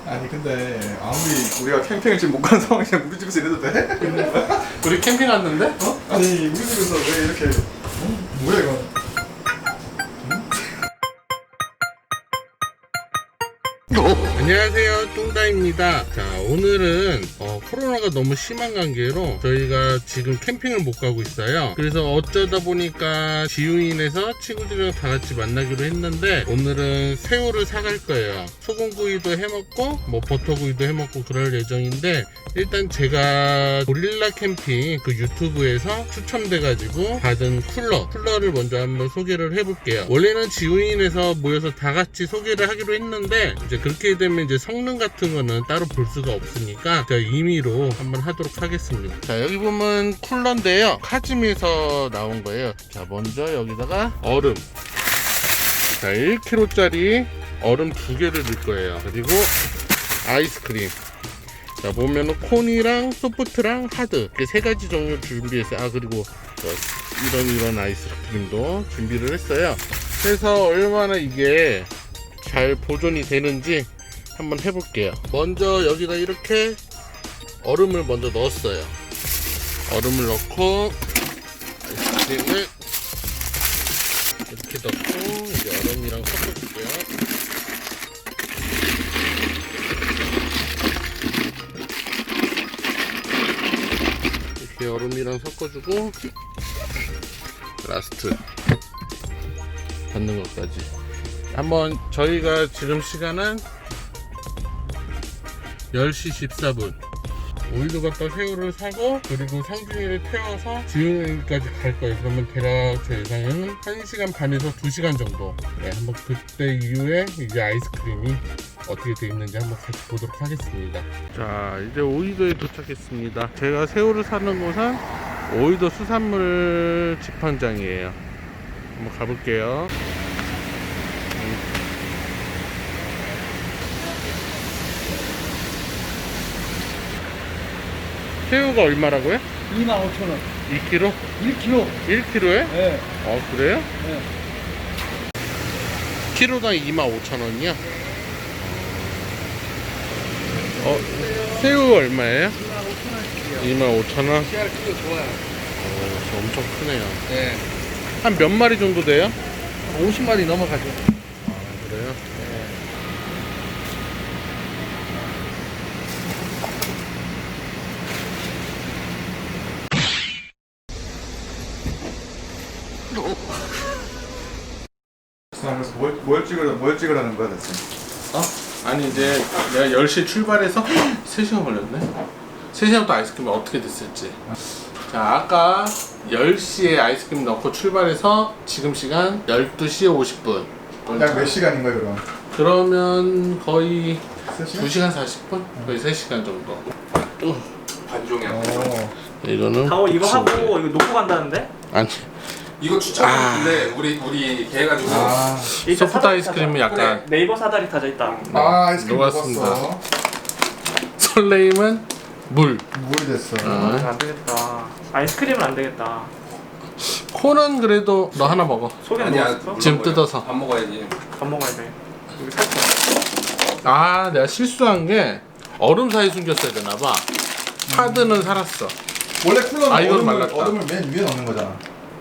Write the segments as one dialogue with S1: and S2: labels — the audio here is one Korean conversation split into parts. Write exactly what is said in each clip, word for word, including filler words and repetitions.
S1: 아니 근데 아무리 우리가 캠핑을 지금 못 가는 상황이야 우리 집에서 이래도 돼?
S2: 우리 캠핑 왔는데?
S1: 어? 아니 우리 집에서 왜 이렇게 어? 뭐야 이거?
S2: 안녕하세요, 뚱다입니다. 자, 오늘은 어, 코로나가 너무 심한 관계로 저희가 지금 캠핑을 못 가고 있어요. 그래서 어쩌다 보니까 지우인에서 친구들이랑 다 같이 만나기로 했는데 오늘은 새우를 사갈 거예요. 소금구이도 해먹고 뭐 버터구이도 해먹고 그럴 예정인데, 일단 제가 고릴라 캠핑 그 유튜브에서 추첨돼가지고 받은 쿨러 쿨러를 먼저 한번 소개를 해볼게요. 원래는 지우인에서 모여서 다 같이 소개를 하기로 했는데 이제 그렇게 되면 이제 성능 같은 거는 따로 볼 수가 없으니까 제가 임의로 한번 하도록 하겠습니다. 자, 여기 보면 쿨러인데요, 카즈미에서 나온 거예요. 자, 먼저 여기다가 얼음, 자 일 킬로그램짜리 얼음 두 개를 넣을 거예요. 그리고 아이스크림, 자 보면은 콘이랑 소프트랑 하드 이렇게 세 가지 종류 준비했어요. 아 그리고 이런 이런 아이스크림도 준비를 했어요. 그래서 얼마나 이게 잘 보존이 되는지 한번 해볼게요. 먼저 여기다 이렇게 얼음을 먼저 넣었어요. 얼음을 넣고 아이스크림을 이렇게 넣고 이제 얼음이랑 섞어줄게요. 이렇게 얼음이랑 섞어주고 라스트 받는 것까지 한번. 저희가 지금 시간은 열 시 십사 분. 오일도 갖다 새우를 사고 그리고 상준이를 태워서 지훈이까지 갈 거예요. 그러면 대략 제 예상은 한 시간 반에서 두 시간 정도. 네, 한번 그때 이후에 이제 아이스크림이 어떻게 되어 있는지 한번 같이 보도록 하겠습니다. 자, 이제 오이도에 도착했습니다. 제가 새우를 사는 곳은 오이도 수산물 집판장이에요. 한번 가볼게요. 새우가 얼마라고요?
S3: 이만 오천 원.
S2: 이 킬로그램?
S3: 일 킬로그램.
S2: 일 킬로그램에?
S3: 네.
S2: 어, 그래요?
S3: 네.
S2: 키로당 이만 오천 원이요? 어, 새우 얼마예요? 이만 오천 원?
S3: 씨알 크기가 좋아요.
S2: 어, 엄청 크네요.
S3: 네.
S2: 한 몇 마리 정도 돼요?
S3: 오십 마리 넘어가죠.
S2: 아, 그래요?
S1: 아, 그래서 뭘, 뭘 찍으라 뭘 찍으라는 거야 대체?
S2: 어? 아니 이제 내가 열 시에 출발해서 세 시간 걸렸네? 세 시간 또 아이스크림이 어떻게 됐을지. 자, 아까 열 시에 아이스크림 넣고 출발해서 지금 시간 열두 시 오십 분.
S1: 약 몇 시간인 거야 그럼?
S2: 그러면 거의
S1: 세 시간?
S2: 두 시간 사십 분? 거의 세 시간 정도.
S4: 반종이야.
S1: 어.
S2: 이거는
S5: 다오 이거 하고 이거 놓고 간다는데?
S2: 아니,
S4: 이거 추천했는데 우리 우리 계획가지고
S1: 아,
S5: 일단
S2: 소프트
S5: 사다리
S2: 아이스크림은
S5: 타자.
S2: 약간
S5: 네이버 사다리 타져 있다.
S1: 아 아이스크림
S2: 녹았습니다.
S1: 녹았어.
S2: 설레임은 물.
S1: 물 됐어.
S2: 어.
S5: 안 되겠다. 아이스크림은 안 되겠다.
S2: 콘은 그래도 너 하나 먹어.
S5: 속에
S4: 아니야.
S5: 넣었어?
S2: 지금 뜯어서.
S4: 밥 먹어야지.
S5: 밥 먹어야 돼. 여기 살짝.
S2: 아, 내가 실수한 게 얼음 사이 숨겼어야 되나봐. 하드는 살았어.
S1: 원래 쿨러는
S2: 아, 이건
S1: 얼음을,
S2: 말랐다.
S1: 얼음을 맨 위에 넣는 거잖아.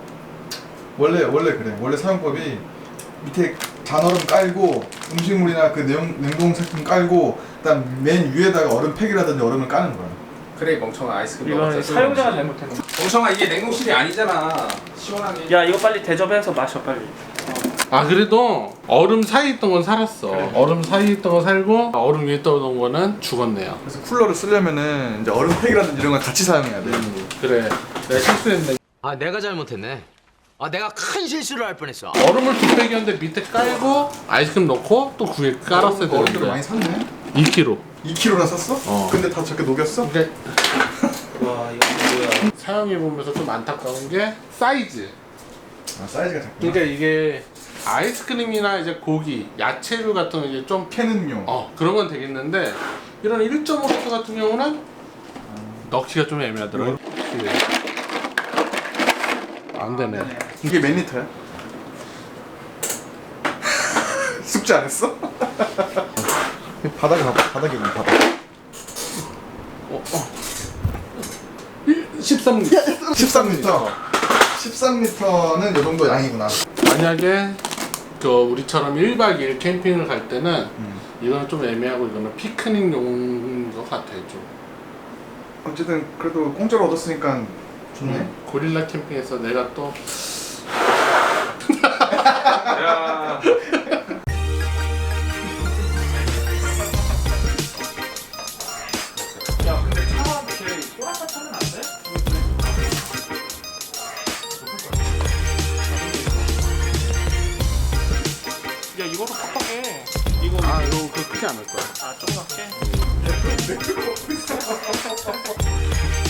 S1: 원래 원래 그래. 원래 사용법이 밑에 잔얼음 깔고 음식물이나 그 냉, 냉동식품 깔고 그다음 맨 위에다가 얼음 팩이라든지 얼음을 까는 거야.
S4: 그래 멍청아 아이스크림
S5: 이건
S4: 먹었어.
S5: 사용자가 잘못했네.
S4: 멍청아 이게 냉동실이 아니잖아. 시원하게.
S5: 야 이거 빨리 대접해서 마셔 빨리.
S2: 아, 그래도 얼음 사이에 있던 건 살았어.
S5: 그래.
S2: 얼음 사이에 있던 건 살고 얼음 위에 떠오던 거는 죽었네요.
S1: 그래서 쿨러를 쓰려면은 이제 얼음 팩이라든지 이런 걸 같이 사용해야 돼.
S2: 음, 그래. 내가 실수했네.
S6: 아 내가 잘못했네. 아 내가 큰 실수를 할 뻔했어.
S2: 얼음을 두 팩이었는데 밑에 깔고 아이스크림 넣고 또 그 위에 깔았어야
S1: 얼음들을 많이
S2: 되는데.
S1: 샀네.
S2: 이 킬로그램.
S1: 이 킬로그램나 샀어?
S2: 어.
S1: 근데 다 저렇게 녹였어?
S2: 그러니까
S5: 와 이거 뭐야?
S2: 사용해보면서 좀 안타까운 게 사이즈.
S1: 아 사이즈가 작구나.
S2: 그러니까 이게 아이스크림이나 이제 고기, 야채류 같은 거 이제 좀
S1: 캐는용.
S2: 어, 그런 건 되겠는데 이런 일 점 오 리터 같은 경우는 넣기가 좀 애매하더라고요. 안 되네.
S1: 이게 몇 리터야? 숙제 안 했어? 바닥에 봐봐. 바닥에 있는 바닥.
S2: 어, 어. 십삼 리터.
S1: 십삼 리터. 십삼 리터는 이 정도 양이구나.
S2: 만약에 저 우리처럼 일 박 이 일 캠핑을 갈 때는
S1: 음.
S2: 이거는 좀 애매하고 이거는 피크닉용인 것 같아요 좀.
S1: 어쨌든 그래도 공짜로 얻었으니까 좋네.
S2: 음, 고릴라 캠핑에서 내가 또
S5: 야. 야, 근데 차 이렇게 꼬랑가 차면 안 돼? 야, 이거로 팍팍해. 이거
S2: 아 이거 그 크지 않을 거야.
S5: 아, 조그맣게.